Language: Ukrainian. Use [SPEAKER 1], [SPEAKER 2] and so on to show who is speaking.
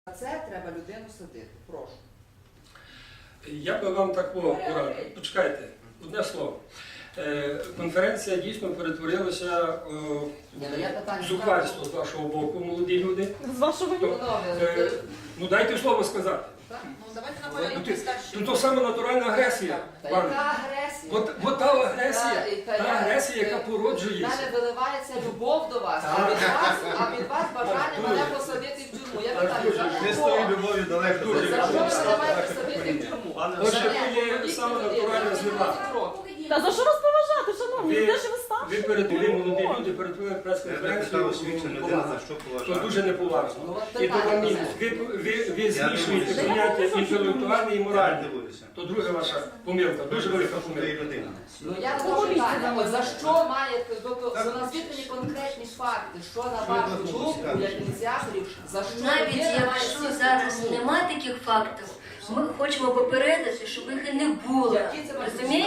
[SPEAKER 1] За це треба людину садити. Прошу.
[SPEAKER 2] Я би вам так порадив. Почекайте, одне слово. Конференція дійсно перетворилася в зухвальство з вашого боку, молоді люди.
[SPEAKER 3] З вашого
[SPEAKER 2] Ну дайте слово сказати.
[SPEAKER 4] Давайте наполовину старші.
[SPEAKER 2] Тут то саме натуральна агресія.
[SPEAKER 1] Яка агресія?
[SPEAKER 2] От та агресія, яка породжує.
[SPEAKER 1] В мене виливається любов до вас, а від вас бажання мене посадити в тюрму. Я питаю, за
[SPEAKER 5] Ми з
[SPEAKER 1] що?
[SPEAKER 5] тою любов'ю далеко.
[SPEAKER 1] За що ви мене маєте посадити в тюрму?
[SPEAKER 2] Отже, то є саме натуральна злива.
[SPEAKER 3] Та за що вас поважати, шановні?
[SPEAKER 2] Ви-
[SPEAKER 3] Де ж ви старші?
[SPEAKER 2] Ви перетворили, молоді люди, перетворили
[SPEAKER 5] Я питав
[SPEAKER 2] прес-конференцію
[SPEAKER 5] освічена людина, за що
[SPEAKER 2] то
[SPEAKER 5] поважати.
[SPEAKER 2] дуже неповажно. І то вам мінус. Ви змішуєте
[SPEAKER 5] дивлюся.
[SPEAKER 2] поняття інтелектуальне і
[SPEAKER 5] Я
[SPEAKER 2] моральне.
[SPEAKER 5] дивуюся.
[SPEAKER 2] То друга ваша помилка, дуже велика
[SPEAKER 5] Що ти
[SPEAKER 2] помилка.
[SPEAKER 5] людина?
[SPEAKER 1] Ну я не питання, от за що має, тобто назвіть мені конкретні факти, що на вашу думку, як ініціаторів, за що
[SPEAKER 6] Навіть
[SPEAKER 1] людина має
[SPEAKER 6] якщо
[SPEAKER 1] сісти
[SPEAKER 6] зараз
[SPEAKER 1] в тюрму?
[SPEAKER 6] немає таких фактів, ми хочемо попередити, щоб їх і не було.
[SPEAKER 1] Які це
[SPEAKER 6] Розумієте?